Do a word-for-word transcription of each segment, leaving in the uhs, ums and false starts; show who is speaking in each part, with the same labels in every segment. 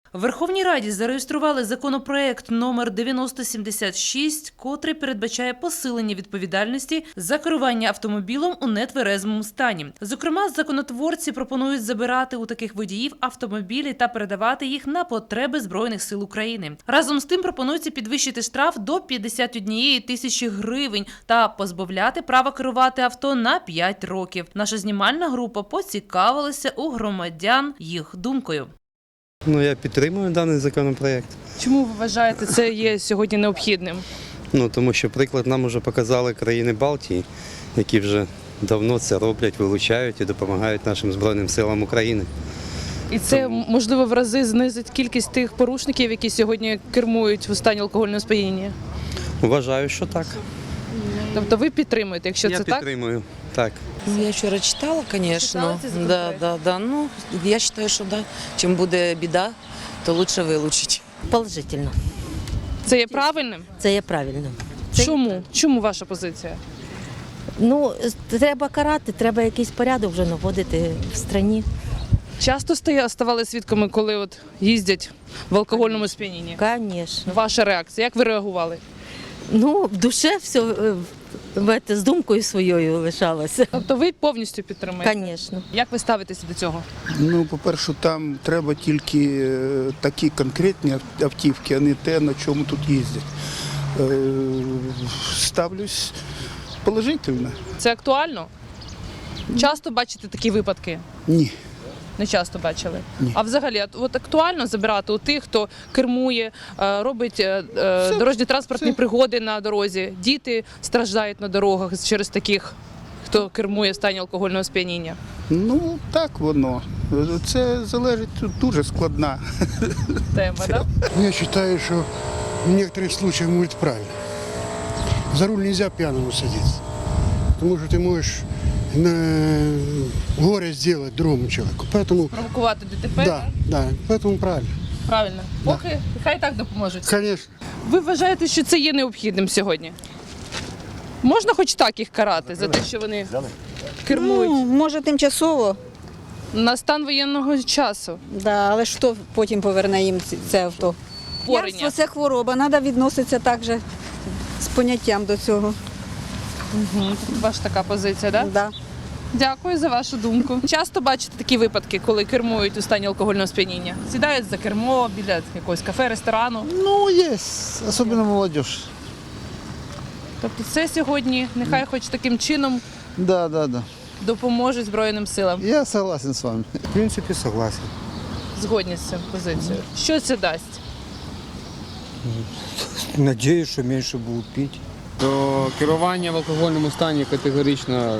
Speaker 1: В Верховній Раді зареєстрували законопроект номер дев'яносто сімдесят шість, котрий передбачає посилення відповідальності за керування автомобілем у нетверезому стані. Зокрема, законотворці пропонують забирати у таких водіїв автомобілі та передавати їх на потреби Збройних сил України. Разом з тим пропонується підвищити штраф до п'ятдесят однієї тисячі гривень та позбавляти права керувати авто на п'ять років. Наша знімальна група поцікавилася у громадян їх думкою.
Speaker 2: Ну, я підтримую даний законопроект.
Speaker 3: Чому ви вважаєте, це є сьогодні необхідним?
Speaker 2: Ну, тому що приклад нам вже показали країни Балтії, які вже давно це роблять, вилучають і допомагають нашим Збройним силам України.
Speaker 3: І це, можливо, в рази знизить кількість тих порушників, які сьогодні кермують в стані алкогольного сп'яніння?
Speaker 2: Вважаю, що так.
Speaker 3: Тобто ви підтримуєте, якщо
Speaker 2: Я
Speaker 3: це так?
Speaker 2: підтримую, так.
Speaker 4: Ну, я вчора читала, звісно.
Speaker 3: Читала цей законопроект?
Speaker 4: Да, да, да. Ну, я вважаю, що да. Чим буде біда, то краще вилучити.
Speaker 5: Положительно.
Speaker 3: Це є правильним?
Speaker 5: Це є правильно. Це-
Speaker 3: Чому? Чому ваша позиція?
Speaker 5: Ну, треба карати, треба якийсь порядок вже наводити в країні.
Speaker 3: Часто стає- ставали свідками, коли от їздять в алкогольному сп'янінні?
Speaker 5: Звісно.
Speaker 3: Ваша реакція? Як ви реагували?
Speaker 5: Ну, в душе все е, в- з думкою своєю лишалося.
Speaker 3: Тобто ви повністю підтримуєте?
Speaker 5: Звісно.
Speaker 3: Як ви ставитеся до цього?
Speaker 6: Ну, по-перше, там треба тільки е, такі конкретні ав- автівки, а не те, на чому тут їздять. Е, Ставлюсь положительно.
Speaker 3: Це актуально? Часто бачите такі випадки?
Speaker 6: Ні.
Speaker 3: Не часто бачили.
Speaker 6: Ні.
Speaker 3: А взагалі, от- от актуально забирати у тих, хто кермує, е, робить е, е, дорожні транспортні
Speaker 6: це-
Speaker 3: пригоди на дорозі. Діти страждають на дорогах через таких, хто кермує в стані алкогольного сп'яніння.
Speaker 6: Ну, так воно. Це залежить, тут дуже складна.
Speaker 3: Тема, так?
Speaker 7: Я считаю, что в некоторых случаях будет правильно. За руль нельзя пьяному садиться. Потому что ты можешь на горе сделать другому человеку. Поэтому,
Speaker 3: Провокувати ДТП?
Speaker 7: да, да, поэтому правильно.
Speaker 3: Правильно. Поки хай так допоможуть.
Speaker 7: Конечно.
Speaker 3: Ви вважаєте, що це є необхідним сьогодні? Можна хоч так їх карати за те, що вони кермують
Speaker 8: Ну, може, тимчасово,
Speaker 3: на стан воєнного часу?
Speaker 8: да, але ж хто потім поверне їм ці- це авто?
Speaker 3: Порення.
Speaker 8: П'янство – це хвороба, треба відноситися так же з поняттям до цього.
Speaker 3: Ваша така позиція, так?
Speaker 8: Да.
Speaker 3: Дякую за вашу думку. Часто бачите такі випадки, коли кермують у стані алкогольного сп'яніння? Сідають за кермо біля якогось кафе, ресторану.
Speaker 9: Ну, есть, особенно молодежь.
Speaker 3: Тобто це сьогодні нехай хоч таким чином
Speaker 9: Да, да, да.
Speaker 3: допоможе Збройним силам.
Speaker 9: Я согласен с вами.
Speaker 2: В принципі, согласен.
Speaker 3: Згодні з цим позицією. Що це дасть?
Speaker 9: Надеюсь, что меньше будут пить.
Speaker 10: До керування в алкогольному стані категорично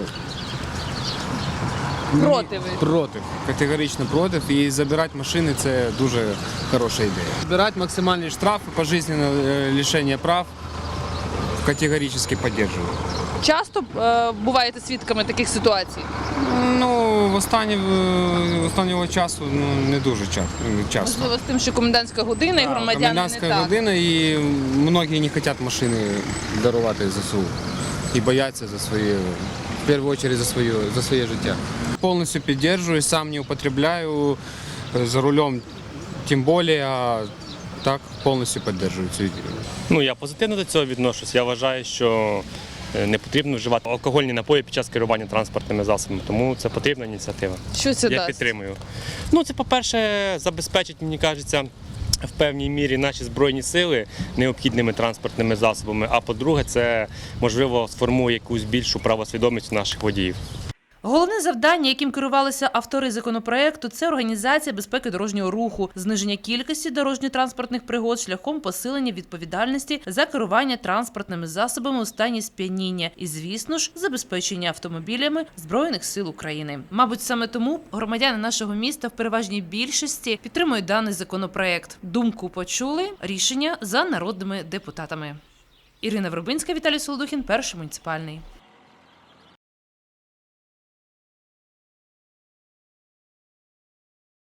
Speaker 3: Проти ви?
Speaker 10: проти. Категорично проти. І забирати машини це дуже хороша ідея. Збирати максимальні штрафи, пожизненне е, лишення прав категорично підтримую.
Speaker 3: Часто е, буваєте свідками таких ситуацій?
Speaker 10: Ну, в останні, в останнього часу ну, не дуже ча- часто.
Speaker 3: Можливо, з тим, що комендантська година і
Speaker 10: Да,
Speaker 3: громадяни не
Speaker 10: комендантська
Speaker 3: так.
Speaker 10: година, і многі не хочуть машини дарувати ЗСУ. І бояться за свої, в першу чергу за своє, за своє життя. Повністю підтримую, сам не употребляю, за рулем тим більше, а так повністю підтримую цю ідею.
Speaker 11: Ну, я позитивно до цього відношусь. Я вважаю, що не потрібно вживати алкогольні напої під час керування транспортними засобами, тому це потрібна ініціатива.
Speaker 3: Що це
Speaker 11: Я
Speaker 3: дасть?
Speaker 11: підтримую. Ну, це, по-перше, забезпечить, мені кажеться, в певній мірі наші Збройні сили необхідними транспортними засобами, а по-друге, це, можливо, сформує якусь більшу правосвідомість наших водіїв.
Speaker 1: Головне завдання, яким керувалися автори законопроекту, це організація безпеки дорожнього руху, зниження кількості дорожньо-транспортних пригод шляхом посилення відповідальності за керування транспортними засобами у стані сп'яніння і, звісно ж, забезпечення автомобілями Збройних сил України. Мабуть, саме тому громадяни нашого міста в переважній більшості підтримують даний законопроект. Думку почули, рішення за народними депутатами. Ірина Вербинська, Віталій Солодухін, Перший муніципальний.